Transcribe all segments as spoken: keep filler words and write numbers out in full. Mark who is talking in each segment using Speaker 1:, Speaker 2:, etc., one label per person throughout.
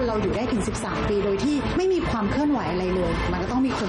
Speaker 1: เราอยู่ได้ถึงสิบสามปีโดยที่ไม่มีความเคลื่อนไหวอะไรเลยมันก็ต้องมีคน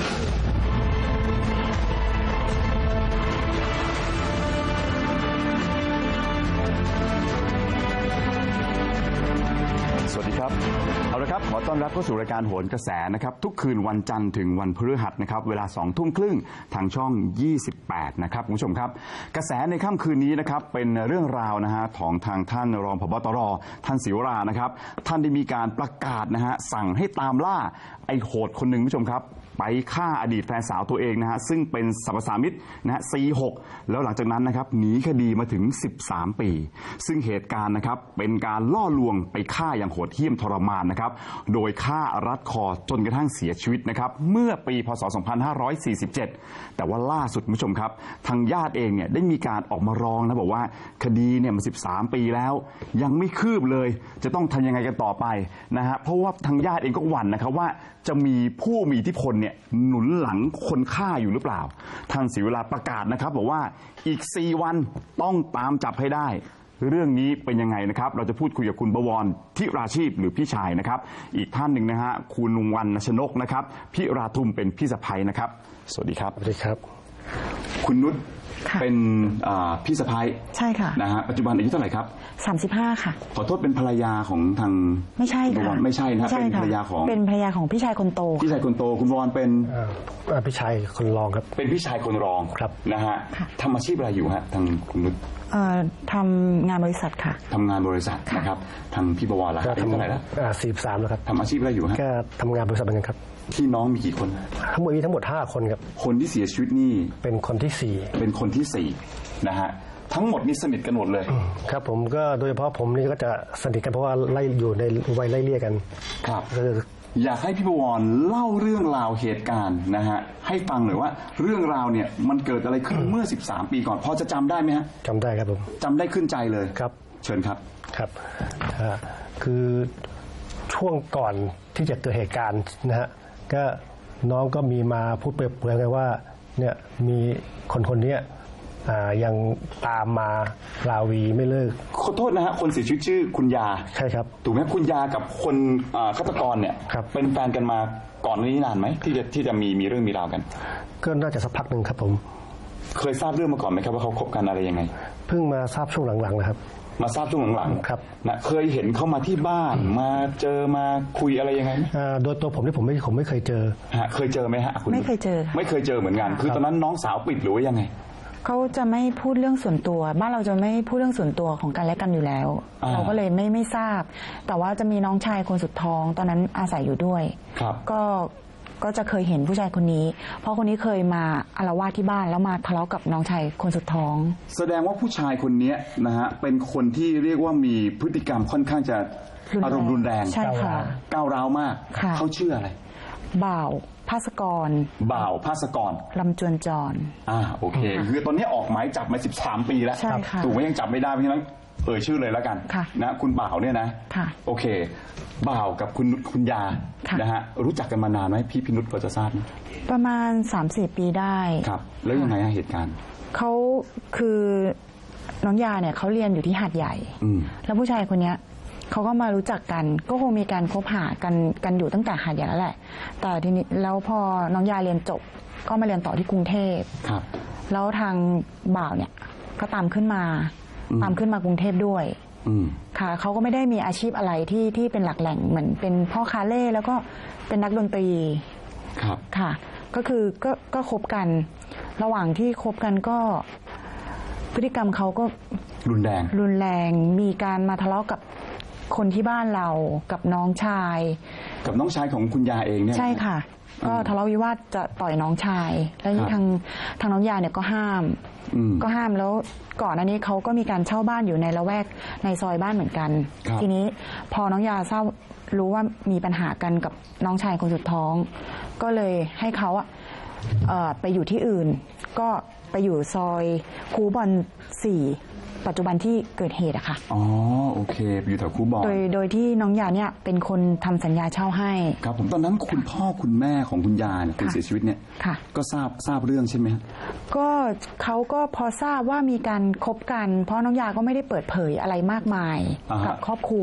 Speaker 2: สวัสดีครับเอาละครับขอต้อนรับเข้าสู่รายการโหนกระแสนะครับทุกคืนวันจันทร์ถึงวันพฤหัสนะครับเวลาสองทุ่มครึ่งทางช่องยี่สิบแปดนะครับคุณผู้ชมครับกระแสในค่ำคืนนี้นะครับเป็นเรื่องราวนะฮะของทางท่านรองผบ.ตร.ท่านศิวรานะครับท่านได้มีการประกาศนะฮะสั่งให้ตามล่าไอ้โหดคนหนึ่งคุณผู้ชมครับไปฆ่าอดีตแฟนสาวตัวเองนะฮะซึ่งเป็นสรรพสามิตนะฮะ ซี หก แล้วหลังจากนั้นนะครับหนีคดีมาถึงสิบสามปีซึ่งเหตุการณ์นะครับเป็นการล่อลวงไปฆ่าอย่างโหดเหี้ยมทรมานนะครับโดยฆ่ารัดคอจนกระทั่งเสียชีวิตนะครับเมื่อปีพ.ศ. สองพันห้าร้อยสี่สิบเจ็ดแต่ว่าล่าสุดคุณผู้ชมครับทางญาติเองเนี่ยได้มีการออกมาร้องนะบอกว่าคดีเนี่ยมันสิบสามปีแล้วยังไม่คืบเลยจะต้องทำยังไงกันต่อไปนะฮะเพราะว่าทางญาติเองก็หวั่นนะครับว่าจะมีผู้มีอิทธิพลเนี่ยหนุนหลังคนฆ่าอยู่หรือเปล่าท่านศิวราประกาศนะครับบอกว่าอีกสี่วันต้องตามจับให้ได้เรื่องนี้เป็นยังไงนะครับเราจะพูดคุยกับคุณบวรทิราชีพหรือพี่ชายนะครับอีกท่านหนึ่งนะฮะคุณวรรณชนกนะครับพิราทุมเป็นพี่สะใภ้นะครับสวัสดีครับ
Speaker 3: สวัสดีครับ
Speaker 2: คุณนุชเป็นพี่สะใภ้
Speaker 1: ใช่ค่ะ
Speaker 2: นะฮะปัจจุบันอายุเท่าไหร่ครับ
Speaker 1: สามสิบห้าค่ะ
Speaker 2: ขอโทษเป็นภรรยาของทาง
Speaker 1: ไม่ใช่ค่ะ
Speaker 2: ไม่ใช่นะเป็นภรรยาของ
Speaker 1: เป็นภรรยาของพี่ชายคนโต
Speaker 2: พี่ชายคนโตคุณบวรเป็น
Speaker 3: พี่ชายคนรองครับ
Speaker 2: เป็นพี่ชายคนรอง
Speaker 3: ครับ
Speaker 2: นะฮะทำอาชีพอะไรอยู่ฮะทางคุณนุช
Speaker 1: ทำงานบริษัทค่ะ
Speaker 2: ทำงานบริษัทนะครับทางพี่บวรล่ะอายุเท่าไหร่แล้ว
Speaker 3: สี่สิบสามแล้วครับ
Speaker 2: ทำอาชีพอะไรอยู่ฮะ
Speaker 3: ก็ทำงานบริษัทเหมือนกันครับ
Speaker 2: พี่น้องมีกี่คน
Speaker 3: ทั้งหมดมีทั้งหมดห้าคนครับ
Speaker 2: คนที่เสียชีวิตนี่
Speaker 3: เป็นคนที่สี่
Speaker 2: เป็นคนที่สี่นะฮะทั้งหมดนี่สนิทกันหมดเลย
Speaker 3: ครับผมก็โดยเฉพาะผมนี่ก็จะสนิทกันเพราะว่าไล่อยู่ในวัยไล่เลี่ยกัน
Speaker 2: ครับอยากให้พี่บวรเล่าเรื่องราวเหตุการณ์นะฮะให้ฟังหน่อยว่าเรื่องราวเนี่ยมันเกิดอะไรขึ้นเมื่อสิบสามปีก่อนพอจะจำได้ไหมฮะ
Speaker 3: จำได้ครับผม
Speaker 2: จำได้ขึ้นใจเลย
Speaker 3: ครับ
Speaker 2: เชิญครับ
Speaker 3: ครับคือช่วงก่อนที่จะเกิดเหตุการณ์นะฮะก็น้องก็มีมาพูดเปรยๆกันว่าเนี่ยมีคนคนนี้ยังตามมาราวีไม่เลิก
Speaker 2: ขอโทษนะฮะคนเสียชีวิตชื่อคุณยา
Speaker 3: ใช่ครับ
Speaker 2: ถูกไหมคุณยากับคนฆาตกรเนี่ยเป็นแฟนกันมาก่อนนี้นานไหมที่จะที่จะมีมีเรื่องมีราวกัน
Speaker 3: ก็น่าจะสักพักหนึ่งครับผม
Speaker 2: เคยทราบเรื่องมาก่อนไหมครับว่าเขาคบกันอะไรยังไง
Speaker 3: เพิ่งมาทราบช่วงหลังๆนะครับ
Speaker 2: มาทราบช่วงหลัง
Speaker 3: ๆครับ
Speaker 2: นะเคยเห็นเขามาที่บ้านมาเจอมาคุยอะไรยังไง
Speaker 3: โดยตัวผมนี่ผมไม่ผมไม่เคยเจอ
Speaker 2: ฮะเคยเจอไหมฮะ
Speaker 1: ไม่เคยเจอ
Speaker 2: ไม่เคยเจอเหมือนกันคือตอนนั้นน้องสาวปิดหรือว่ายังไง
Speaker 1: เขาจะไม่พูดเรื่องส่วนตัวบ้านเราจะไม่พูดเรื่องส่วนตัวของกันและกันอยู่แล้วเราก็เลยไม่ไม่ทราบแต่ว่าจะมีน้องชายคนสุดท้องตอนนั้นอาศัยอยู่ด้วยก็ก็จะเคยเห็นผู้ชายคนนี้เพราะคนนี้เคยมาอาละวาดที่บ้านแล้วมาทะเลาะกับน้องชายคนสุดท้อง
Speaker 2: แสดงว่าผู้ชายคนนี้นะฮะเป็นคนที่เรียกว่ามีพฤติกรรมค่อนข้างจะอารมณ์รุนแรง
Speaker 1: ใช่ค่ะ
Speaker 2: ก้าวร้าวมากเขาชื่ออะไร
Speaker 1: บ่าวภาสกร
Speaker 2: บ่าวภาสกร
Speaker 1: ลำจวนจร
Speaker 2: อ่าโอเคคือตอนนี้ออกหมายจับมาสิบสามปีแล้วถูกไหมยังจับไม่ได้เพราะฉะนั้นเอ่ยชื่อเลยแล้วกันนะคุณบ่าวเนี่ยนะโอเคบ่าวกับคุณคุณยานะฮะรู้จักกันมานานไหมพี่พินุชพอจะทราบไหม
Speaker 1: ประมาณ สามสี่ ปีได้
Speaker 2: ครับแล้วยังไงเหตุการณ์
Speaker 1: เขาคือน้องยาเนี่ยเขาเรียนอยู่ที่หาดใหญ่แล้วผู้ชายคนนี้เขาก็มารู้จักกันก็คงมีการคบหากันกันอยู่ตั้งแต่หาดใหญ่แล้วแหละแต่ทีนี้แล้วพอน้องยาเรียนจบก็มาเรียนต่อที่กรุงเทพครับแล้วทางบ่าวเนี่ยก็ตามขึ้นมาตามขึ้นมากรุงเทพด้วยค่ะเขาก็ไม่ได้มีอาชีพอะไรที่ที่เป็นหลักแหล่งเหมือนเป็นพ่อคาเล่แล้วก็เป็นนักดนตรี
Speaker 2: ครับ
Speaker 1: ค่ะก็คือก็ก็คบกันระหว่างที่คบกันก็พฤติกรรมเขาก็
Speaker 2: รุนแรง
Speaker 1: รุนแรงมีการมาทะเลาะกับคนที่บ้านเรากับน้องชาย
Speaker 2: กับน้องชายของคุณยาเองเนี่ย
Speaker 1: ใช่ค่ะก็ทะเลาะวิวาทจะต่อยน้องชายแล้วนี่ทางทางน้องยาเนี่ยก็ห้ามก็ห้ามแล้วก่อนอันนี้เขาก็มีการเช่าบ้านอยู่ในละแวกในซอยบ้านเหมือนกันทีนี้พอน้องยาทราบรู้ว่ามีปัญหากันกับน้องชายคนสุดท้องก็เลยให้เขาอะไปอยู่ที่อื่นก็ไปอยู่ซอยคูบอลสี่ปัจจุบันที่เกิดเหตุอะค่ะ
Speaker 2: อ๋อโอเคอยู่แถวคูบอล
Speaker 1: โดยโดยที่น้องยาเนี่ยเป็นคนทำสัญญาเช่าให้
Speaker 2: ครับผมตอนนั้นคุณพ่อคุณแม่ของคุณยาเนี่ยคนเสียชีวิตเนี่ยก็ทราบทราบเรื่องใช่ไหม
Speaker 1: ก็เขาก็พอทราบว่ามีการคบกันเพราะน้องยาก็ไม่ได้เปิดเผยอะไรมากมายกับครอบครัว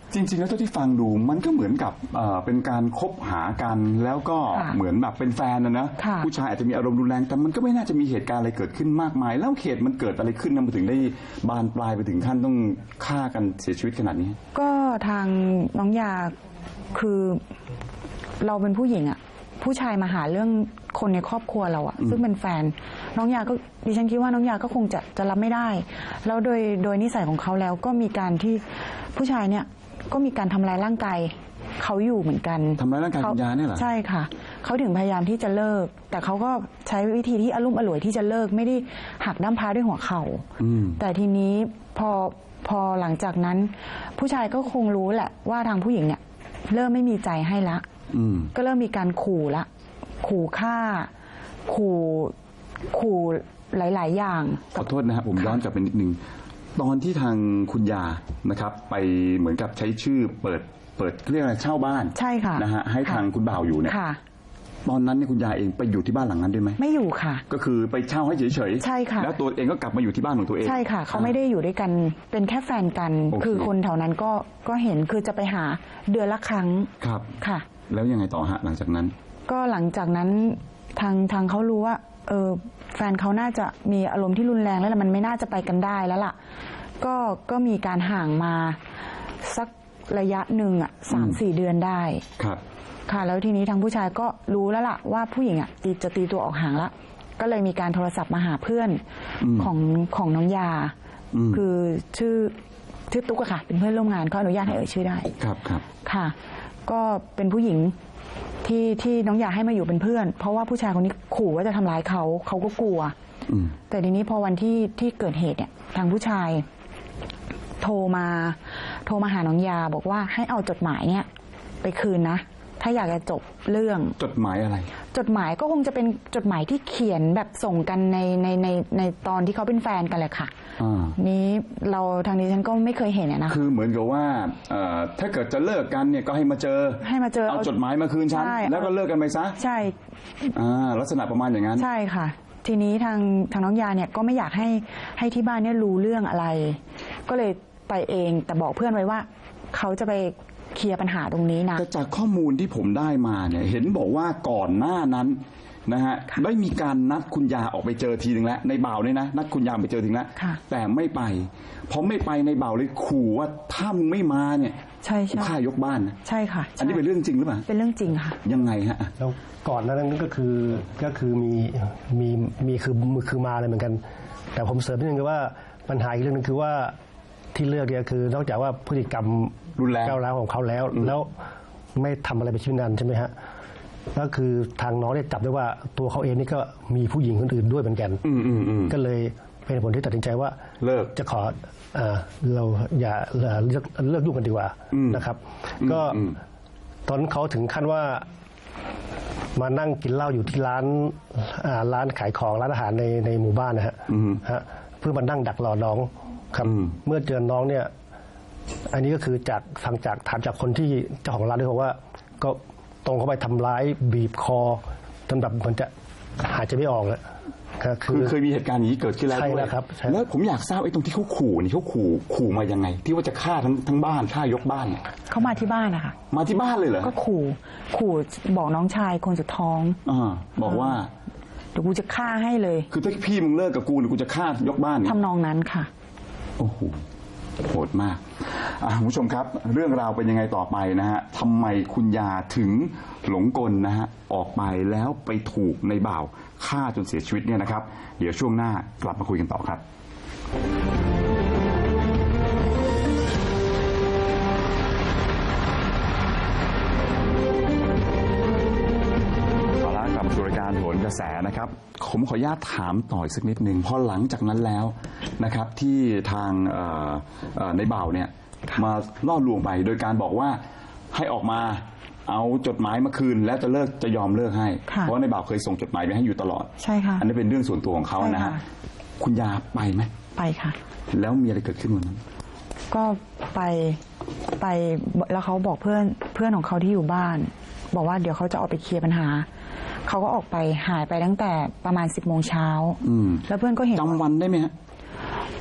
Speaker 2: จริงๆแล้วเท่าที่ฟังดูมันก็เหมือนกับเอ่อเป็นการคบหากันแล้วก็
Speaker 1: ค่ะ
Speaker 2: เหมือนแบบเป็นแฟนนะนะ
Speaker 1: ค่ะ
Speaker 2: ผู้ชายอาจจะมีอารมณ์รุนแรงแต่มันก็ไม่น่าจะมีเหตุการณ์อะไรเกิดขึ้นมากมาย แล้วเหตุมันเกิดอะไรขึ้นนะมันถึงได้บานปลายไปถึงขั้นต้องฆ่ากันเสียชีวิตขนาดนี้
Speaker 1: ก็ทางน้องยาคือเราเป็นผู้หญิงอะผู้ชายมาหาเรื่องคนในครอบครัวเราอะซึ่งเป็นแฟนน้องยาก็ดิฉันคิดว่าน้องยาก็คงจะจะรับไม่ได้ แล้วโดยโดยนิสัยของเขาแล้วก็มีการที่ผู้ชายเนี่ยก็มีการทำร้ายร่างกายเขาอยู่เหมือนกัน
Speaker 2: ทำร้ายร่างกายคุณยาเนี่ยเหรอ
Speaker 1: ใช่ค่ะเขาถึงพยายามที่จะเลิก แต่เขาก็ใช้วิธีที่อารมณ์อร่วยที่จะเลิกไม่ได้หักด้ามพร้าด้วยหัวเข่า
Speaker 2: อืม
Speaker 1: แต่ทีนี้พอพอหลังจากนั้น ผู้ชายก็คงรู้แหละว่าทางผู้หญิงเนี่ยเริ่มไม่มีใจให้ละ
Speaker 2: อืม
Speaker 1: ก็เริ่มมีการขู่ละ ขู่ฆ่า ขู่ขู่หลาย ๆ อย่าง
Speaker 2: ขอโทษนะครับผมย้อนกลับไปนิดนึงตอนที่ทางคุณยานะครับ ไปเหมือนกับใช้ชื่อเปิดเปิดเรียกอะไรเช่าบ้าน
Speaker 1: ใช่ค่ะ
Speaker 2: นะฮะให้
Speaker 1: ค่ะ
Speaker 2: ทางคุณบ่าวอยู่เนี่ย
Speaker 1: ค่ะ
Speaker 2: ตอนนั้นเนี่ยคุณยาเองไปอยู่ที่บ้านหลังนั้นด้วยไหม
Speaker 1: ไม่อยู่ค่ะ
Speaker 2: ก็คือไปเช่าให้เฉยๆ
Speaker 1: ใช่ค่ะ
Speaker 2: แล้วตัวเองก็กลับมาอยู่ที่บ้านของตัวเอง
Speaker 1: ใช่ค่ะ เขาไม่ได้อยู่ด้วยกันเป็นแค่แฟนกัน
Speaker 2: โอเค
Speaker 1: คือคนแถวนั้นก็ก็เห็นคือจะไปหาเดือนละครั้ง
Speaker 2: ครับ
Speaker 1: ค่ะ
Speaker 2: แล้วยังไงต่อฮะหลังจากนั้น
Speaker 1: ก็หลังจากนั้นทางทางเขารู้ว่าเออแฟนเขาน่าจะมีอารมณ์ที่รุนแรงแล้วล่ะมันไม่น่าจะไปกันได้แล้วล่ะ ก็ก็มีการห่างมาสักระยะหนึ่งอ่ะสามสี่เดือนได้
Speaker 2: ครับ
Speaker 1: ค่ะ แล้วทีนี้ทางผู้ชายก็รู้แล้วล่ะว่าผู้หญิงอ่ะตีจะตีตัวออกห่างละก็เลยมีการโทรศัพท์มาหาเพื่อน
Speaker 2: อืม
Speaker 1: ของของน้องยา
Speaker 2: อืม
Speaker 1: คือชื่อชื่อตุ๊กอะค่ะ เป็นเพื่อนร่วมงานเขาอนุญาตให้เอ่ยชื่อได้
Speaker 2: ครับครับ
Speaker 1: ค่ะ ก็เป็นผู้หญิงที่ที่น้องอยากให้มาอยู่เป็นเพื่อน เพราะว่าผู้ชายคนนี้ขู่ว่าจะทำร้ายเขาเขาก็กลัว
Speaker 2: อืม
Speaker 1: แต่ทีนี้พอวันที่ที่เกิดเหตุเนี่ยทางผู้ชาย โทรมาโทรมาหาน้องยาบอกว่าให้เอาจดหมายเนี่ย ไปคืนนะ ถ้าอยากจะจบเรื่อง
Speaker 2: จดหมายอะไร
Speaker 1: จดหมายก็คงจะเป็นจดหมายที่เขียนแบบส่งกันในในในในตอนที่เขาเป็นแฟนกันแหละค่ะ
Speaker 2: อ่า
Speaker 1: นี้เราทางนี้ฉันก็ไม่เคยเห็นอะนะ
Speaker 2: คือเหมือนกับว่าเอ่อถ้าเกิดจะเลิกกันเนี่ยก็ให้มาเจอ
Speaker 1: ให้มาเจอ
Speaker 2: เอาจดหมายมาคืนฉัน
Speaker 1: ใช่
Speaker 2: แล้วก็เลิกกันไปซะ
Speaker 1: ใช่
Speaker 2: อ่าลักษณะประมาณอย่างนั้น
Speaker 1: ใช่ค่ะ ทีนี้ทางทางน้องยาเนี่ยก็ไม่อยากให้ให้ที่บ้านเนี่ยรู้เรื่องอะไร ก็เลยไปเองแต่บอกเพื่อนไว้ว่า เขาจะไปเคลียร์ปัญหาตรงนี้นะ
Speaker 2: แต่จากข้อมูลที่ผมได้มาเนี่ยเห็นบอกว่าก่อนหน้านั้นนะฮะ
Speaker 1: ค่ะ
Speaker 2: ได้มีการนัดคุณยาออกไปเจอทีหนึ่งแล้วในบ่าวเนี่ยนะนัดคุณยาไปเจอทีนึงแล้ว
Speaker 1: ค่ะ
Speaker 2: แต่ไม่ไปพอไม่ไปในบ่าวเลยขู่ว่าถ้ามึงไม่มาเนี่ย
Speaker 1: ใช่
Speaker 2: กู
Speaker 1: ใช่
Speaker 2: ฆ่ายกบ้านนะ
Speaker 1: ใช่ค่ะ
Speaker 2: อันนี้เป็นเรื่องจริงหรือเปล่า
Speaker 1: เป็นเรื่องจริงค่ะ
Speaker 2: ยังไงฮะ
Speaker 3: แล้วก่อนหนานั้นก็คือก็คือมีมีมีคือคือมาเลยเหมือนกัน แต่ผมเสริมนิดนึงคือว่าปัญหาอีกเรื่องนึงคือว่าที่เลือกเนี่ยคือนอกจากว่าพฤติกรรม
Speaker 2: รุนแรง
Speaker 3: ก้าวร้าวของเขาแล้ว แล้วไม่ทำอะไรไปนชีวิตนานใช่ไหมฮะก็คือทางน้องเนี่ยจับได้ว่าตัวเขาเองนี่ก็มีผู้หญิงคนอื่นด้วยเหมือนกัน
Speaker 2: อืมอืมอืม
Speaker 3: ก็เลยเป็นผลที่ตัดสินใจว่า
Speaker 2: เลิก
Speaker 3: จะขอเอ่อเราอย่าเอ่อเลิกเลิกยุ่งกันดีกว่า
Speaker 2: อืม
Speaker 3: นะครับ
Speaker 2: อืม
Speaker 3: ก็
Speaker 2: อืม
Speaker 3: ตอนนั้นเขาถึงขั้นว่ามานั่งกินเหล้าอยู่ที่ร้านอ่าร้านขายของร้านอาหารในในหมู่บ้านนะฮะ
Speaker 2: อืม
Speaker 3: ฮะเพื่อมานั่งดักรอน้องครับ
Speaker 2: อืม
Speaker 3: เมื่อเจอน้องเนี่ย อันนี้ก็คือจากฟังจากถามจากคนที่เจ้าของร้านด้วยบอกว่า ก็ตรงเข้าไปทำร้ายบีบคอจนแบบเหมันจะหายใจไม่ออกแล้วก็คื
Speaker 2: คือ
Speaker 3: อ
Speaker 2: เคยมีเหตุการณ์อย่างนี้เกิดขึ้นแล้ว
Speaker 3: ใช่
Speaker 2: ด้วย
Speaker 3: แล้วครับใช่
Speaker 2: แล้วผมอยากทราบไอ้ตรงที่เขาขู่นี่เขาขู่ขู่มายังไง ที่ว่าจะฆ่าทั้งทั้งบ้านฆ่ายกบ้านเนี่ย
Speaker 1: เขามาที่บ้านนะคะ
Speaker 2: มาที่บ้านเลยเหรอ
Speaker 1: ก็ขู่ขู่บอกน้องชายคนสุดท้อง
Speaker 2: อ่าบอกว่า
Speaker 1: เดี๋ยวกูจะฆ่าให้เลย
Speaker 2: คือถ้าพี่มึงเลิกกับกูเดี๋ยวกูจะฆ่ายกบ้านเนี่ย
Speaker 1: ทำนองนั้นค่ะ
Speaker 2: โอ้โหโหดมากอ่ะคุณผู้ชมครับ เรื่องราวเป็นยังไงต่อไปนะฮะทำไมคุณยาถึงหลงกลนะฮะออกไปแล้วไปถูกในบ่าวฆ่าจนเสียชีวิตเนี่ยนะครับ เดี๋ยวช่วงหน้ากลับมาคุยกันต่อครับ เอาละกลับมาสู่รายการโหนกระแสนะครับ ผมขออนุญาตถามต่ออีกสักนิดหนึ่งพอหลังจากนั้นแล้วนะครับ ที่ทางเอ่อเอ่อในบ่าวเนี่ยมาล่อลวงไปโดยการบอกว่าให้ออกมาเอาจดหมายมาคืน แล้วจะเลิกจะยอมเลิกให้
Speaker 1: ค่ะ
Speaker 2: เพราะว่าในบ่าวเคยส่งจดหมายไปให้อยู่ตลอด
Speaker 1: ใช่ค่ะ
Speaker 2: อันนี้เป็นเรื่องส่วนตัวของเขานะฮะ
Speaker 1: ใช่ค่ะ
Speaker 2: คุณยาไปไหม
Speaker 1: ไปค่ะ
Speaker 2: แล้วมีอะไรเกิดขึ้นวันนั้น
Speaker 1: ก็ไปไปแล้วเขาบอกเพื่อนเพื่อนของเขาที่อยู่บ้าน บอกว่าเดี๋ยวเขาจะออกไปเคลียร์ปัญหา เขาก็ออกไปหายไปตั้งแต่ประมาณสิบโมงเช้า
Speaker 2: อืม
Speaker 1: แล้วเพื่อนก็เห็น
Speaker 2: จำวันได้ไหมฮะ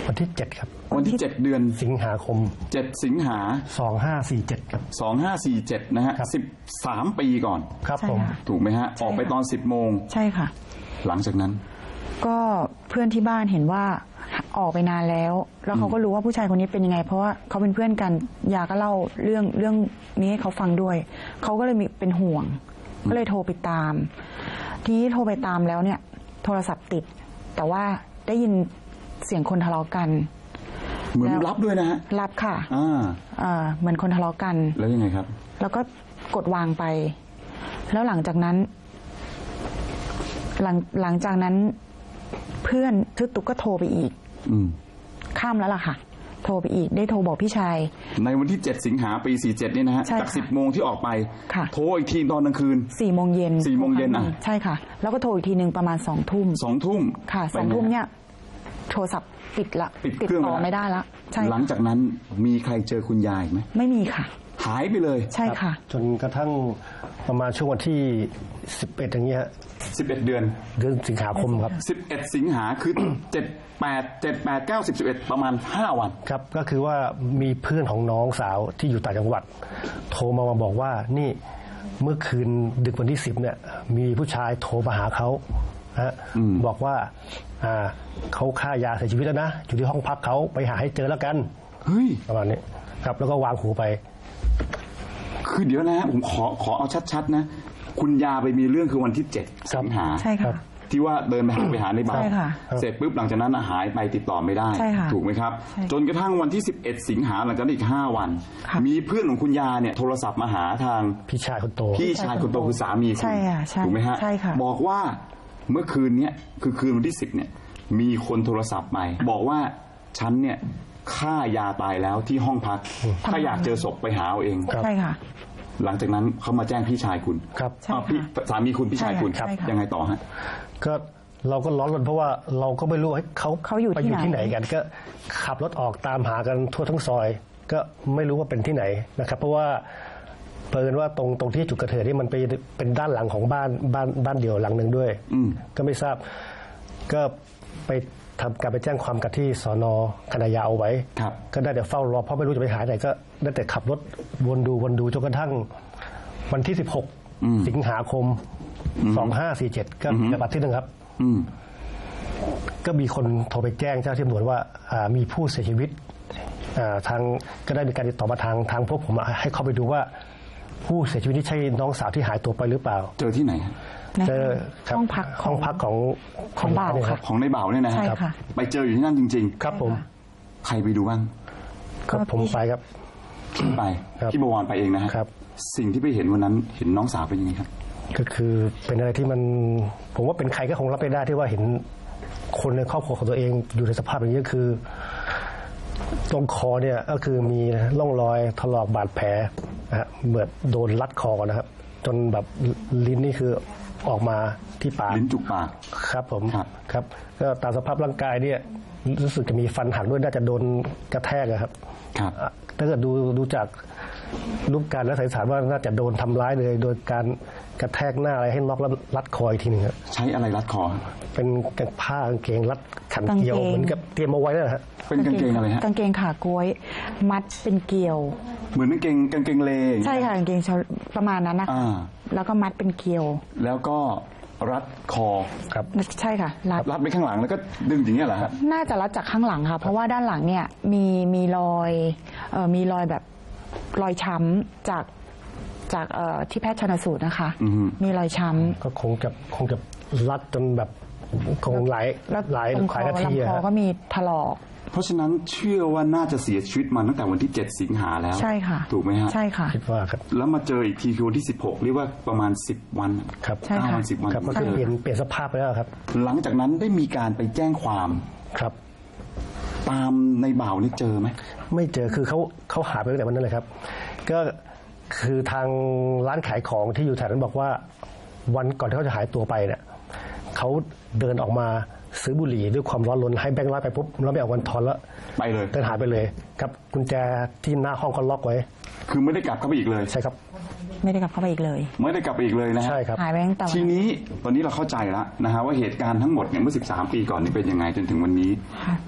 Speaker 3: วันที่เจ็ดครับ
Speaker 2: วันที่เจ็ดเดือน
Speaker 3: สิงหาคม
Speaker 2: เจ็ดสิงหา
Speaker 3: สองห้าสี่เจ็ดครับ
Speaker 2: สองห้าสี่เจ็ดนะฮะ
Speaker 3: ครับ
Speaker 2: สิบสามปีก่อน
Speaker 3: ครับ
Speaker 1: ใช่
Speaker 3: ผม
Speaker 1: ค่ะ
Speaker 2: ถูกไหมฮะออกไปตอนสิบโมง
Speaker 1: ใช่ค่ะ
Speaker 2: หลังจากนั้น
Speaker 1: ก็เพื่อนที่บ้านเห็นว่าออกไปนานแล้ว แล้วเขาก็รู้ว่าผู้ชายคนนี้เป็นยังไง เพราะว่าเขาเป็นเพื่อนกันยาก็เล่าเรื่องเรื่องนี้ให้เขาฟังด้วย เขาก็เลยมีเป็นห่วง ก็เลยโทรไปตาม ทีนี้โทรไปตามแล้วเนี่ย โทรศัพท์ติด แต่ว่าได้ยินเสียงคนทะเลาะกัน
Speaker 2: เหมือน
Speaker 1: แล้ว
Speaker 2: รับด้วยนะฮะ
Speaker 1: รับค่ะ
Speaker 2: อ่า
Speaker 1: อ่าเหมือนคนทะเลาะกัน
Speaker 2: แล้วยังไงครับ
Speaker 1: แล้วก็กดวางไป แล้วหลังจากนั้น หลังหลังจากนั้น เพื่อนทึกตุกก็โทรไปอีก
Speaker 2: อืม
Speaker 1: ข้ามแล้วล่ะค่ะ โทรไปอีก ได้โทรบอกพี่ชาย
Speaker 2: ในวันที่เจ็ดสิงหาปีสี่เจ็ดนี่นะฮะ
Speaker 1: ใช่ค่ะ
Speaker 2: จากสิบโมงที่ออกไป
Speaker 1: ค่ะ
Speaker 2: โทรอีกทีตอนกลางคืน
Speaker 1: สี่โมงเย็น
Speaker 2: สี่โมงเย็นอ่ะ
Speaker 1: ใช่ค่ะ แล้วก็โทรอีกทีหนึ่งประมาณสองทุ่ม
Speaker 2: สองทุ่ม
Speaker 1: ค่ะสองทุ่มเนี่ย โทรศัพท์ปิดละ
Speaker 2: ปิด
Speaker 1: ติด
Speaker 2: เครื่อง
Speaker 1: ต่อ
Speaker 2: ไปละ
Speaker 1: ไม่ได้ละใช่
Speaker 2: หลังจากนั้นมีใครเจอคุณยายไหม
Speaker 1: ไม่มีค่ะ
Speaker 2: หายไปเลย
Speaker 1: ใช่ค่ะ
Speaker 3: จนกระทั่งประมาณช่วงวันที่สิบเอ็ดอย่างเงี้ยฮะ
Speaker 2: สิบเอ็ดเดือน
Speaker 3: เดือนสิงหาคมครับ
Speaker 2: สิบเอ็ดสิงหาคือ เจ็ด แปด เจ็ด แปด เก้า สิบ สิบเอ็ดประมาณห้าวัน
Speaker 3: ครับก็คือว่ามีเพื่อนของน้องสาวที่อยู่ต่างจังหวัด โทรมามาบอกว่านี่เมื่อคืนดึกวันที่สิบเนี่ยมีผู้ชายโทรมาหาเขาฮะบอกว่าอ่าเขาฆ่ายาเสียชีวิตแล้วนะอยู่ที่ห้องพักเขาไปหาให้เจอแล้วกัน
Speaker 2: เฮ้ย
Speaker 3: ประมาณนี้ครับแล้วก็วางหูไป
Speaker 2: คือเดี๋ยวนะผมขอขอเอาชัดๆนะ คุณยาไปมีเรื่องคือวันที่เจ็ด
Speaker 3: ครับ
Speaker 2: สิงหา
Speaker 1: ใช่ค่ะ
Speaker 2: ที่ว่าเดินไปหาไปหาในบ้าน
Speaker 1: ใช่ค่ะ
Speaker 2: เสร็จปุ๊บหลังจากนั้นหายไปติดต่อไม่ได้
Speaker 1: ใช่ค่ะ
Speaker 2: ถูกไหมครับ
Speaker 1: ใช่
Speaker 2: จนกระทั่งวันที่สิบเอ็ดสิงหาหลังจากนั้นอีกห้าวัน
Speaker 1: ค่ะ
Speaker 2: มีเพื่อนของคุณยาเนี่ยโทรศัพท์มาหาทาง
Speaker 3: พี่ชายคนโต
Speaker 2: พี่ชายคนโตคือสามีคุณ
Speaker 1: ใช่ค่ะใช่
Speaker 2: ถูกไหมฮะ
Speaker 1: ใช่ค่ะ
Speaker 2: บอกว่าเมื่อคืนเนี้ยคือคืนวันที่สิบเนี่ยมีคนโทรศัพท์ไปบอกว่าฉันเนี่ยฆ่ายาตายแล้วที่ห้องพัก ถ้าอยากเจอศพไปหาเอาเอง
Speaker 3: ครับ
Speaker 1: ใช่ค่ะ
Speaker 2: หลังจากนั้นเขามาแจ้งพี่ชายคุณ
Speaker 3: ครับ
Speaker 1: ใช่
Speaker 2: อ้าวพี่
Speaker 1: ค่ะ
Speaker 2: สามีคุณพี่ชายคุณ
Speaker 1: ใช่ค่ะ
Speaker 2: ยังไงต่อฮะ
Speaker 3: ก็เราก็ร้อนรนเพราะว่าเราก็ไม่รู้ว่าเขา
Speaker 1: เขาอยู่
Speaker 3: ไป
Speaker 1: ที่
Speaker 3: อยู่ที่ไห
Speaker 1: ไห
Speaker 3: น
Speaker 1: น
Speaker 3: กัน ก็ขับรถออกตามหากันทั่วทั้งซอย ก็ไม่รู้ว่าเป็นที่ไหนนะครับ เพราะว่าเปิดว่าตรงตรงที่จุดเกิดเหตุนี่มันไปเป็นด้านหลังของบ้านบ้านบ้านเดี่ยวหลังหนึ่งด้วย
Speaker 2: อืม
Speaker 3: ก็ไม่ทราบ ก็ไปทำการไปแจ้งความกับที่สนคณะยาวเอาไว้
Speaker 2: ครับ
Speaker 3: ก็ได้แต่เฝ้ารอเพราะไม่รู้จะไปหาไหนก็ได้แต่ขับรถวนดูวนดูจนกระทั่งวันที่สิบหกสิงหาคมสองห้าสี่เจ็ดก็เป็นบัตรที่หนึ่งครับ
Speaker 2: อืม
Speaker 3: ก็มีคนโทรไปแจ้งเจ้าหน้าที่ตำรวจว่าอ่ามีผู้เสียชีวิตอ่าทางก็ได้มีการติดต่อมาทางทางพวกผมอ่ะให้เข้าไปดูว่าผู้เสียชีวิตนี่ใช่น้องสาวที่หายตัวไปหรือเปล่า
Speaker 2: เจอที่ไหนฮะ
Speaker 1: ใน
Speaker 3: เจอครับ
Speaker 1: ห้องพักข
Speaker 3: ห้
Speaker 1: อ
Speaker 3: อง งพักของ
Speaker 1: ของบ่าว
Speaker 3: เนี่ย
Speaker 1: ค่ะ
Speaker 2: ของในเบ่าวเนี่ยนะฮะ
Speaker 1: ใช่ค่ะ
Speaker 2: ไปเจออยู่ที่นั่นจริง
Speaker 3: ครับผม
Speaker 2: ๆ ใครไปดูบ้าง
Speaker 3: ก็ผมไปครับ
Speaker 2: พี่ไป
Speaker 3: ครับ
Speaker 2: พี่บวรไปเองนะฮะ
Speaker 3: ครับ
Speaker 2: สิ่งที่ไปเห็นวันนั้นเห็นน้องสาวเป็นยังไงครับ
Speaker 3: ก็คือเป็นอะไรที่มันผมว่าเป็นใครก็คงรับไม่ได้ที่ว่าเห็นคนในครอบครัวของตัวเองอยู่ในสภาพอย่างนี้ก็คือ ตรงคอเนี่ยก็คือมีร่องรอยถลอกบาดแผลนะฮะเหมือนโดนรัดคอนะครับ จนแบบลิ้นนี่คือออกมาที่ปาก
Speaker 2: ลิ้นจุกปาก
Speaker 3: ครับผม
Speaker 2: ครับ
Speaker 3: ครับก็ตามสภาพร่างกายเนี่ยรู้สึกจะมีฟันหักด้วยน่าจะโดนกระแทกอะครับ
Speaker 2: ครับ
Speaker 3: อ่ะถ้าเกิดดูดูจากรูปการและสันนิษฐานว่าน่าจะโดนทำร้ายเลย โดยการกระแทกหน้าอะไรให้น็อกแล้วรัดคออีกทีหนึ่งครับ
Speaker 2: ใช้อะไรรัดคอฮะ
Speaker 3: เป็นกางผ้ากางเกงรัดขันเกลียว
Speaker 1: กางเกง
Speaker 3: เหมือนกับเตรียมเอาไว้นั่นแหละฮะ
Speaker 2: เป็นกางเกงอะไรฮะ
Speaker 1: กางเกงขากล้วย มัดเป็นเกลียว
Speaker 2: เหมือนกางเกงกางเกงเลอย่างเงี้ย
Speaker 1: ใช่ค่ะกางเกงชาวประมาณนั้นนะคะ
Speaker 2: อ่า
Speaker 1: แล้วก็มัดเป็นเกลียว
Speaker 2: แล้วก็รัดคอ
Speaker 3: ครับ
Speaker 1: ใช่ค่ะรัด
Speaker 2: รัดไปข้างหลังแล้วก็ดึงอย่างเงี้ยเหรอฮะ
Speaker 1: น่าจะรัดจากข้างหลังค่ะ เพราะว่าด้านหลังเนี่ยมีมีรอยเอ่อมีรอยแบบรอยช้ำจากจากเอ่อที่แพทย์ชันสูตรนะคะ
Speaker 2: อือฮึ
Speaker 1: มีรอยช้ำ
Speaker 3: ก็คงจะคงจะรัดจนแบบคงหลาย
Speaker 1: แล้ว
Speaker 3: หลาย
Speaker 1: ตรงค
Speaker 3: หลาย
Speaker 1: อ
Speaker 3: นาที
Speaker 1: ลำ
Speaker 3: อะ
Speaker 1: คอ
Speaker 3: ฮะ
Speaker 1: ก็มีถลอก
Speaker 2: เพราะฉะนั้นเชื่อว่าน่าจะเสียชีวิตมาตั้งแต่วันที่เจ็ดสิงหาแล้ว
Speaker 1: ใช่ค่ะ
Speaker 2: ถูกไหมฮะ
Speaker 1: ใช่ค่ะ
Speaker 3: คิดว่าครับ
Speaker 2: แล้วมาเจออีกทีคือวันที่สิบหกเรียกว่าประมาณสิบวัน
Speaker 3: ครับ
Speaker 1: ใช่ค่ะ
Speaker 2: เก้าวันสิบวัน
Speaker 3: ครับก็
Speaker 2: เจ
Speaker 3: คือ
Speaker 2: อ
Speaker 3: เปลี่ยนเปลี่ยนสภาพไปแล้วครับ
Speaker 2: หลังจากนั้นได้มีการไปแจ้งความ
Speaker 3: ครับ
Speaker 2: ตามในบ่าวนี่เจอไหม
Speaker 3: ไม่เจอคือเขาเขาหายไปตั้งแต่วันนั้นเลยครับ ก็คือทางร้านขายของที่อยู่แถวนั้นบอกว่า วันก่อนที่เขาจะหายตัวไปเนี่ยเขาเดินออกมาซื้อบุหรี่ด้วยความร้อนรนให้แบงค์ร้อยไปปุ๊บแล้วไม่เอาวันทอนแล้ว
Speaker 2: ไปเลย
Speaker 3: เดินหายไปเลยครับกุญแจที่หน้าห้องก็ล็อกไว้
Speaker 2: คือไม่ได้กลับเข้าไปอีกเลย
Speaker 3: ใช่ครับ
Speaker 1: ไม่ได้กลับเข้าไปอีกเลย
Speaker 2: ไม่ได้กลับไปอีกเลยนะฮะ
Speaker 3: ใช่ครับ
Speaker 1: หายไปตั้งแต่วัน
Speaker 2: ทีนี้ตอนนี้เราเข้าใจแล้วนะฮะว่าเหตุการณ์ทั้งหมดเนี่ยเมื่อสิบสามปีก่อนนี่เป็นยังไงจนถึงวันนี้
Speaker 1: ค่ะ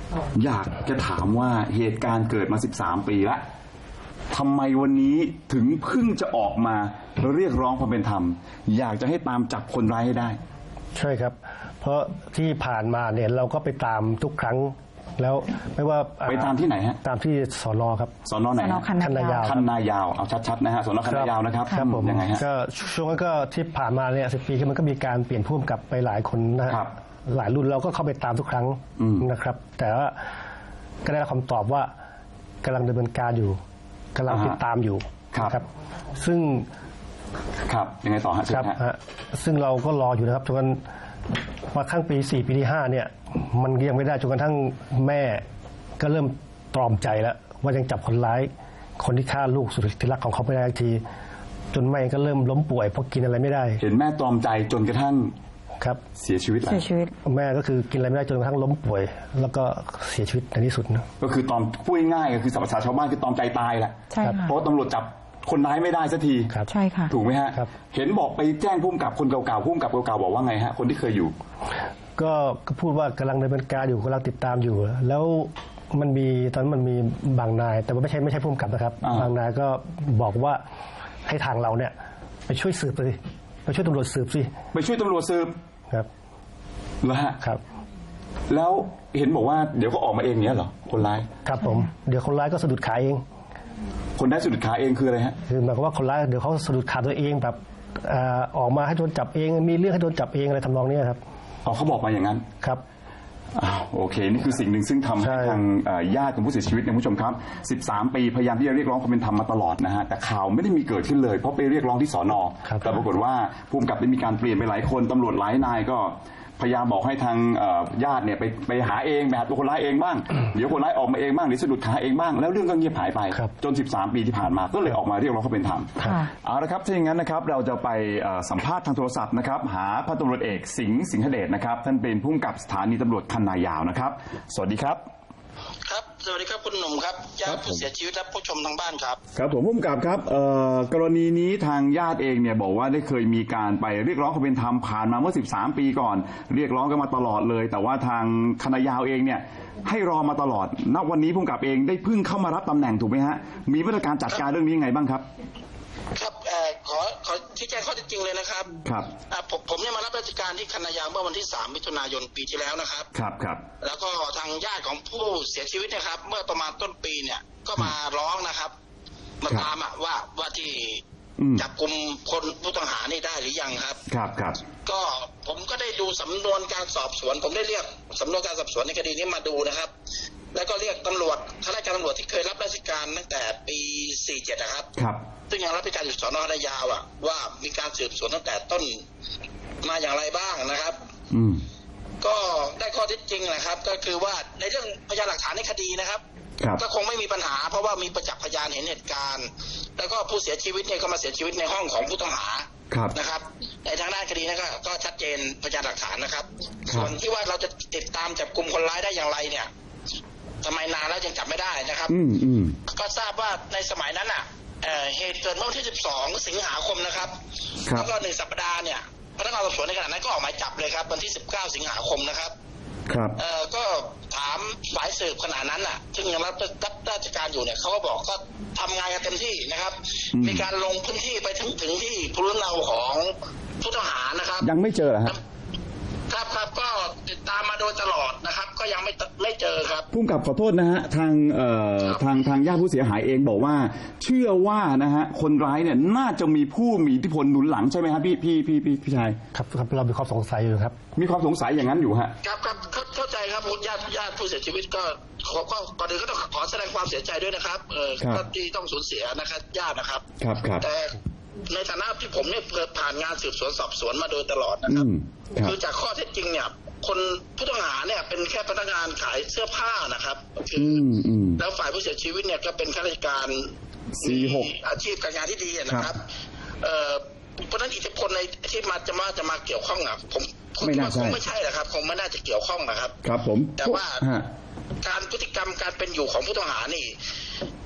Speaker 2: อยากจะถามว่าเหตุการณ์เกิดมาสิบสามปีแล้วทำไมวันนี้ถึงเพิ่งจะออกมาเรียกร้องความเป็นธรรมอยากจะให้ตามจับคนร้ายให้ได้
Speaker 3: ใช่ครับเพราะที่ผ่านมาเนี่ยเราก็ไปตามทุกครั้งแล้วไม่ว่า
Speaker 2: ไปตามที่ไหนฮะ
Speaker 3: ตามที่สนครับ
Speaker 2: สนไหน
Speaker 1: คันนายาว
Speaker 2: คันนายาวเอาชัดๆนะฮะสนคันนายาวนะครับ
Speaker 3: ครับผม
Speaker 2: ยังไงฮะ
Speaker 3: ก็ช่วงนั้นก็ที่ผ่านมาเนี่ยสิบปีมันก็มีการเปลี่ยนผู้กำกับไปหลายคนนะครับหลายรุ่นเราก็เข้าไปตามทุกครั้งนะครับแต่ว่าก็ได้คำตอบว่ากำลังดำเนินการอยู่กำลังติดตามอยู่ครับซึ่ง
Speaker 2: ครับยังไงต่อฮะ
Speaker 3: ครับซึ่งเราก็รออยู่นะครับจนมาขั้งปีสี่ปีที่ห้าเนี่ยมันยังไม่ได้จนกระทั่งแม่ก็เริ่มตรอมใจแล้วว่ายังจับคนร้ายคนที่ฆ่าลูกสุดที่รักของเขาไม่ได้ทีจนแม่ก็เริ่มล้มป่วยเพราะกินอะไรไม่ได้
Speaker 2: เห็นแม่ตรอมใจจนกระทั่ง
Speaker 3: ครับ
Speaker 2: เสียชีวิตแล้ว
Speaker 1: เสียชีวิต
Speaker 3: แม่ก็คือกินอะไรไม่ได้จนกระทั่งล้มป่วยแล้วก็เสียชีวิตในที่สุดนะ
Speaker 2: ก็คือตอมพูดง่ายๆก็คือภาษาชาวบ้านคือตอมใจตายแหละ
Speaker 1: ใช่ค่ะ
Speaker 2: เพราะตำรวจจับคนร้ายไม่ได้สักที
Speaker 1: ใช่ค่ะ
Speaker 2: ถูกไหมฮะเห็นบอกไปแจ้งผู้กำกับคนเก่าๆผู้กำกับเก่าๆบอกว่าไงฮะคนที่เคยอยู่
Speaker 3: ก็พูดว่ากำลังดำเนินการอยู่กำลังติดตามอยู่แล้วมันมีตอนนั้นมันมีบางนายแต่ว่าไม่ใช่ไม่ใช่ผู้กำกับนะครับบางนายก็บอกว่าให้ทางเราเนี่ยไปช่วยสืบสิไปช่วยตำรวจสืบสิ
Speaker 2: ไปช่วยตำรวจสืบ
Speaker 3: ครับ
Speaker 2: แล้วฮะ
Speaker 3: ครับ
Speaker 2: แล้วเห็นบอกว่าเดี๋ยวก็ออกมาเองเนี้ยเหรอคนร้าย
Speaker 3: ครับผมเดี๋ยวคนร้ายก็สะดุดขาเอง
Speaker 2: คนได้สะดุดขาเองคืออะไรฮะ
Speaker 3: คือหมายความว่าคนร้ายเดี๋ยวเขาสะดุดขาตัวเองแบบออกมาให้โดนจับเองมีเรื่องให้โดนจับเองอะไรทำนองนี้ครับ
Speaker 2: อ๋อเขาบอกมาอย่างนั้น
Speaker 3: ครับ
Speaker 2: อ้าวโอเคนี่คือสิ่งหนึ่งซึ่งทำให้ทางญาติของผู้เสียชีวิตเนี่ยคุณผู้ชมครับสิบสามปีพยายามที่จะเรียกร้องความเป็นธรรมมาตลอดนะฮะแต่ข่าวไม่ได้มีเกิดขึ้นเลยเพราะไปเรียกร้องที่สน.แต่ปรากฏว่าผู้กำกับได้มีการเปลี่ยนไปหลายคนตำรวจหลายนายก็พยายามบอกให้ทางญาติเนี่ยไปไปหาเองไปหาตัวคนร้ายเองบ้างเดี๋ยวคนร้ายออกมาเองบ้างหรือสะดุดขาเองบ้างแล้วเรื่องก็เงียบหายไปจนสิบสามปีที่ผ่านมาก็เลยออกมาเรียกร้องความเป็นธรรมเอาละครับถ้าอย่างนั้นนะครับเราจะไปสัมภาษณ์ทางโทรศัพท์นะครับหาพันตำรวจเอกสิงห์สิงหเดชนะครับท่านเป็นผู้กำกับสถานีตำรวจคันนายาวนะครับสวัสดีครับ
Speaker 4: ครับสวัสดีครับคุณหนุ่มครับญาติผู้เสียชีวิตและผู้ชมทางบ้านครับ
Speaker 2: ครับผมผู้กำกับครับกรณีนี้ทางญาติเองเนี่ยบอกว่าได้เคยมีการไปเรียกร้องความเป็นธรรมผ่านมาเมื่อสิบสามปีก่อนเรียกร้องกันมาตลอดเลยแต่ว่าทางคณะยาวเองเนี่ยให้รอมาตลอดณวันนี้ผู้กำกับเองได้เพิ่งเข้ามารับตำแหน่งถูกไหมฮะมีมาตรการจัดการเรื่องนี้ยังไงบ้างครับ
Speaker 4: ครับขอขอชี้แจงข้อเท็จจริงเลยนะครับ
Speaker 2: ครับ
Speaker 4: ผมผมเนี่ยมารับราชการที่คณะยาวเมื่อวันที่สามมิถุนายนปีที่แล้วนะครับ
Speaker 2: ครับครับ
Speaker 4: แล้วก็ทางญาติของผู้เสียชีวิตนะครับเมื่อประมาณต้นปีเนี่ยก็มาร้องนะครับมาตามว่าว่าที่จับกลุ่มคนผู้ต้องหานี่ได้หรือยังครับ
Speaker 2: ครับครับ
Speaker 4: ก็ผมก็ได้ดูสำนวนการสอบสวนผมได้เรียกสำนวนการสอบสวนในคดีนี้มาดูนะครับแล้วก็เรียกตำรวจข้าราชการตำรวจที่เคยรับราชการตั้งแต่ปีสี่สิบเจ็ดนะครับ
Speaker 2: ครับ
Speaker 4: ซึ่งยังรับราชการอยู่สน.คณะยาวอ่ะว่ามีการสืบสวนตั้งแต่ต้นมาอย่างไรบ้างนะครับ
Speaker 2: อืม
Speaker 4: ก็ได้ข้อเท็จจริงนะครับ ก็คือว่าในเรื่องพยานหลักฐานในคดีนะครับก็คงไม่มีปัญหาเพราะว่ามีประจักษ์พยานเห็นเหตุการณ์แล้วก็ผู้เสียชีวิตเนี่ยก็มาเสียชีวิตในห้องของผู้ต้องหานะครับในทางด้านคดีนะก็ชัดเจนพยานหลักฐานนะครับส่วนที่ว่าเราจะติดตามจับกลุ่มคนร้ายได้อย่างไรเนี่ยทำไมนานแล้วยังจับไม่ได้นะครับก็ทราบว่าในสมัยนั้นอ่ะเหตุเกิดเมื่อวันที่สิบสองสิงหาคมนะครับแล้วก็หนึ่งสัปดาห์เนี่ยพนักงานสอบสวนในขณะนั้นก็ออกหมายจับเลยครับวันที่สิบเก้าสิงหาคมนะครับ
Speaker 2: ครับ
Speaker 4: เอ่อก็ถามฝ่ายสืบขณะนั้นอ่ะซึ่งยังรับรับราชการอยู่เนี่ยเขาก็บอกก็ทำงานกันเต็มที่นะครับมีการลงพื้นที่ไปถึงถึงที่ภูมิลำเนาของผู้ต้องหานะครับ
Speaker 2: ยังไม่เจอเหรอครับ
Speaker 4: ครับครับก็ติดตามมาโดยตลอดนะครับก็ยังไม่ไม่เจอครับ
Speaker 2: ผู้กำกับขอโทษนะฮะทางเอ่อทางทางญาติผู้เสียหายเองบอกว่าเชื่อว่านะฮะคนร้ายเนี่ยน่าจะมีผู้มีอิทธิพลหนุนหลังใช่ไหมครับพี่พี่พี่พี่พี่ชาย
Speaker 3: ครับครับเรามีความสงสัยอยู่ครับ
Speaker 2: มีความสงสัยอย่างนั้นอยู่ฮะ
Speaker 4: ครับครับเข้าใจครับญาติญาติผู้เสียชีวิตก็ขอก็ก่อนอื่นก็ต้องขอแสดงความเสียใจด้วยนะครับเออที่ต้องสูญเสียนะครับญาตินะครับ
Speaker 2: ครับครับ
Speaker 4: แต่ในฐานะที่ผมเนี่ยผ่านงานสืบสวนสอบสวนมาโดยตลอดนะครับคือจากข้อเท็จจริงเนี่ยคนผู้ต้องหาเนี่ยเป็นแค่พนักงานขายเสื้อผ้านะครับคือแล้วฝ่ายผู้เสียชีวิตเนี่ยก็เป็นข้าราชการ
Speaker 2: มี
Speaker 4: อาชีพการงานที่ดีนะครับเอ่อเพราะนั้นอิทธิพลในที่มาจะมาจะมาเกี่ยวข้องอ่ะผม
Speaker 2: ไม่น่าใช่
Speaker 4: คงไม่ใช่นะครับคงไม่น่าจะเกี่ยวข้องนะครับ
Speaker 2: ครับผม
Speaker 4: แต่ว่าการพฤติกรรมการเป็นอยู่ของผู้ต้องหานี่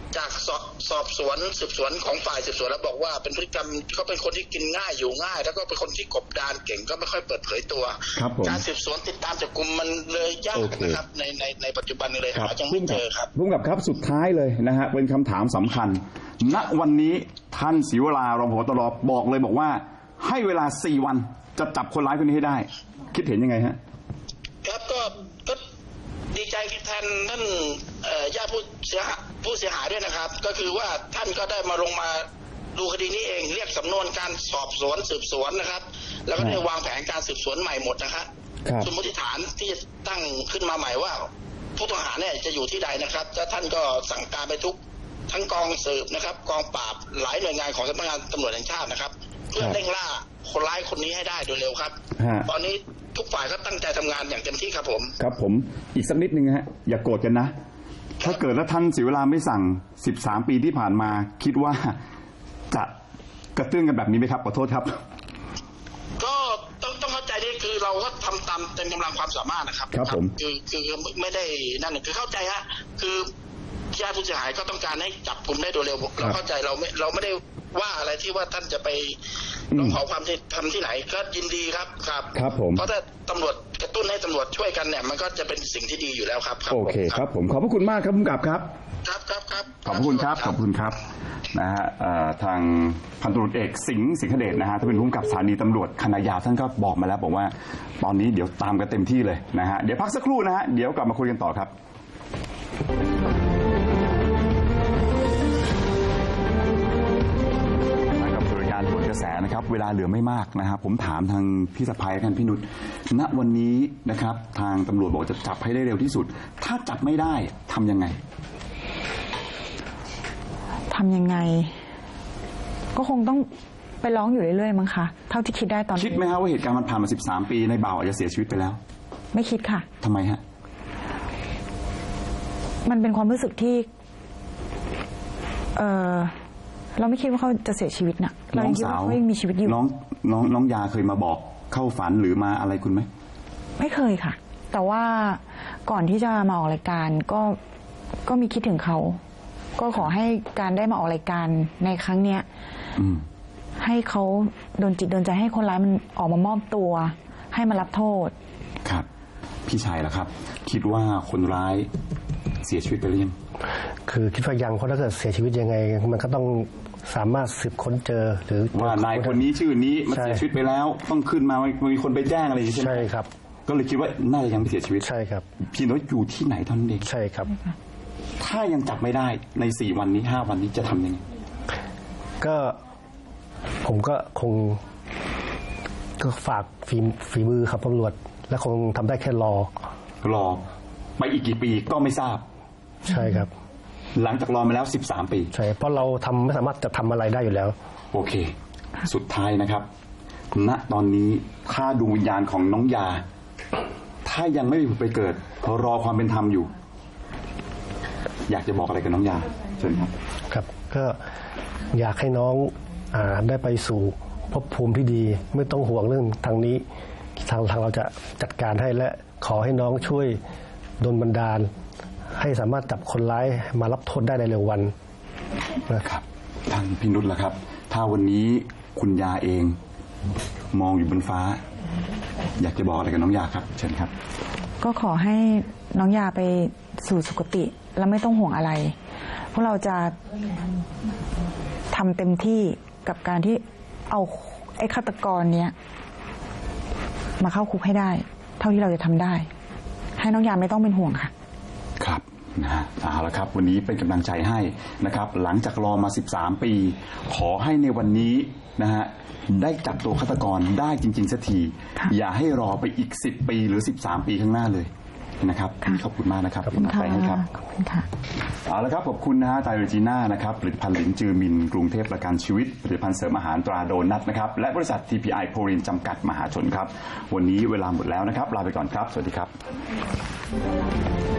Speaker 4: จากสอบสอบสวนสืบสวนของฝ่ายสืบสวนแล้วบอกว่าเป็นพฤติกรรมเขาเป็นคนที่กินง่ายอยู่ง่าย แล้วก็เป็นคนที่กบดานเก่งก็ไม่ค่อยเปิดเผยตัวการสืบสวนติดตามจับกุมมันเลยยากนะครับในในในปัจจุบันนี้เลยหายังไม่เจอครับ
Speaker 2: พุ่งกับครับสุดท้ายเลยนะฮะเป็นคำถามสำคัญณวันนี้ท่านศรีวรารองผบ.ตร.บอกเลยบอกว่าให้เวลาสี่วันจะจับคนร้ายคนนี้ให้ได้คิดเห็นยังไงฮะ
Speaker 4: ครับก็ก็ดีใจแทนท่านญาติผู้เสียหายผู้เสียหายด้วยนะครับก็คือว่าท่านก็ได้มาลงมาดูคดีนี้เองเรียกสำนวนการสอบสวนสืบสวนนะครับแล้วก็ได้วางแผนการสืบสวนใหม่หมดนะครับสมมติฐานที่ตั้งขึ้นมาใหม่ว่าผู้ต้องหาเนี่ยจะอยู่ที่ใดนะครับแล้วท่านก็สั่งการไปทุกทั้งกองสืบนะครับกองปราบหลายหน่วยงานของสำนักงานตำรวจแห่งชาตินะครับเพื่อเร่งล่าคนร้ายคนนี้ให้ได้โดยเร็วครับตอนนี้ทุกฝ่ายก็ตั้งใจทำงานอย่างเต็มที่ครับผม
Speaker 2: ครับผมอีกสักนิดนึงฮะอย่าโกรธกันนะถ้าเกิดแล้วท่านศรีวราไม่สั่งสิบสามปีที่ผ่านมาคิดว่าจะกระเตื้องกันแบบนี้ไหมครับขอโทษครับ
Speaker 4: ก็ต้องต้องเข้าใจนี่คือเราก็ทำตามเต็มกำลังความสามารถนะครับ
Speaker 2: ครับผม
Speaker 4: คือคือไม่ได้นั่นคือเข้าใจฮะคือญาติผู้เสียหายก็ต้องการให้จับกลุ่มได้โดยเร็วเราเข้าใจเราไม่เราไม่ได้ว่าอะไรที่ว่าท่านจะไปร้องขอความทำที่ไหนก็ยินดีครับครับ
Speaker 2: ครับผม
Speaker 4: เพราะถ้าตำรวจกระตุ้นให้ตำรวจช่วยกันเนี่ยมันก็จะเป็นสิ่งที่ดีอยู่แล้วครับ
Speaker 2: โอเคครับผมขอบพระคุณมากครับผู้กำกับครับ
Speaker 4: ครับครับครับ
Speaker 2: ขอบคุณครับขอบคุณครับนะฮะทางพันตำรวจเอกสิงห์สิงหเดชนะฮะท่านเป็นผู้กำกับสถานีตำรวจคณะยาวท่านก็บอกมาแล้วบอกว่าตอนนี้เดี๋ยวตามกันเต็มที่เลยนะฮะเดี๋ยวพักสักครู่นะฮะเดี๋ยวกลับมาคุยกันต่อครับกระแสนะครับเวลาเหลือไม่มากนะครับผมถามทางพี่สะพ้ายกันพี่นุชณวันนี้นะครับทางตำรวจบอกจะจับให้ได้เร็วที่สุดถ้าจับไม่ได้ทำยังไง
Speaker 1: ทำยังไงก็คงต้องไปร้องอยู่เรื่อยๆมั้งคะเท่าที่คิดได้ตอนนี้
Speaker 2: คิดไหมครับว่าเหตุการณ์มันผ่านมาสิบสามปีในบ่าวอาจจะเสียชีวิตไปแล้ว
Speaker 1: ไม่คิดค่ะ
Speaker 2: ทำไมฮะ
Speaker 1: มันเป็นความรู้สึกที่เออเราไม่คิดว่าเขาจะเสียชีวิตนะเราคิดว่าเขายังมีชีวิตอยู่
Speaker 2: น้องน้องน้องยาเคยมาบอกเข้าฝันหรือมาอะไรคุณไหม
Speaker 1: ไม่เคยค่ะแต่ว่าก่อนที่จะมาออกรายการก็ก็มีคิดถึงเขาก็ขอให้การได้มาออกรายการในครั้งเนี้ยให้เขาโดนจิตโดนใจให้คนร้ายมันออกมามอบตัวให้มารับโทษ
Speaker 2: ครับพี่ชายล่ะครับคิดว่าคนร้ายเสียชีวิตไปหรือยัง
Speaker 3: คือคิดว่ายังเพราะถ้าเกิดเสียชีวิตยังไงมันก็ต้องสามารถสืบค้นเจอหรือ
Speaker 2: ว่านายคนนี้ชื่อนี้มันเสียชีวิตไปแล้วต้องขึ้นมามีคนไปแจ้งอะไรอย่างนี้ใช่ไหม
Speaker 3: ใช่ครับ
Speaker 2: ก็เลยคิดว่าน่าจะยังไม่เสียชีวิต
Speaker 3: ใช่ครับ
Speaker 2: พี่น้อยอยู่ที่ไหนท่านเอง
Speaker 3: ใช่ครับ
Speaker 2: ถ้ายังจับไม่ได้ในสี่วันนี้ห้าวันนี้จะทำยังไง
Speaker 3: ก็ผมก็คงก็ฝากฝีฝีมือครับตำรวจและคงทำได้แค่รอ
Speaker 2: รอไปอีกกี่ปีก็ไม่ทราบ
Speaker 3: ใช่ครับ
Speaker 2: หลังจากรอมาแล้วสิบสามปี
Speaker 3: ใช่เพราะเราทำไม่สามารถจะทำอะไรได้อยู่แล้ว
Speaker 2: โอเคสุดท้ายนะครับณตอนนี้ถ้าดวงวิญญาณของน้องยาถ้ายังไม่ไปเกิดรอความเป็นธรรมอยู่อยากจะบอกอะไรกับน้องยาเชิญครับ
Speaker 3: ครับก็อยากให้น้องอ่าได้ไปสู่ภพภูมิที่ดีไม่ต้องห่วงเรื่องทางนี้ทางทางเราจะจัดการให้และขอให้น้องช่วยดลบันดาลให้สามารถจับคนร้ายมารับโทษได้ในเร็ววัน
Speaker 2: นะครับท่านพี่นุชล่ะครับถ้าวันนี้คุณยาเองมองอยู่บนฟ้าอยากจะบอกอะไรกับน้องยาครับเชิญครับ
Speaker 1: ก็ขอให้น้องยาไปสู่สุคติและไม่ต้องห่วงอะไรพวกเราจะทำเต็มที่กับการที่เอาไอ้ฆาตกรเนี้ยมาเข้าคุกให้ได้เท่าที่เราจะทำได้ให้น้องยาไม่ต้องเป็นห่วงค่ะ
Speaker 2: ครับนะฮะเอาละครับวันนี้เป็นกำลังใจให้นะครับหลังจากรอมาสิบสามปีขอให้ในวันนี้นะฮะได้จับตัวฆาตกรได้จริงๆสักทีอย่าให้รอไปอีกสิบปีหรือสิบสามปีข้างหน้าเลยนะครับขอบคุณมากนะครับ
Speaker 1: ขอบคุณค่ะขอบคุณค่ะ
Speaker 2: เอาละครับขอบคุณนะฮะไตรโรจีน่านะครับผลิตภัณฑ์หลินจือมินกรุงเทพประกันชีวิตผลิตภัณฑ์เสริมอาหารตราโดนัทนะครับและบริษัท ที พี ไอ โพลินจำกัดมหาชนครับวันนี้เวลาหมดแล้วนะครับลาไปก่อนครับสวัสดีครับ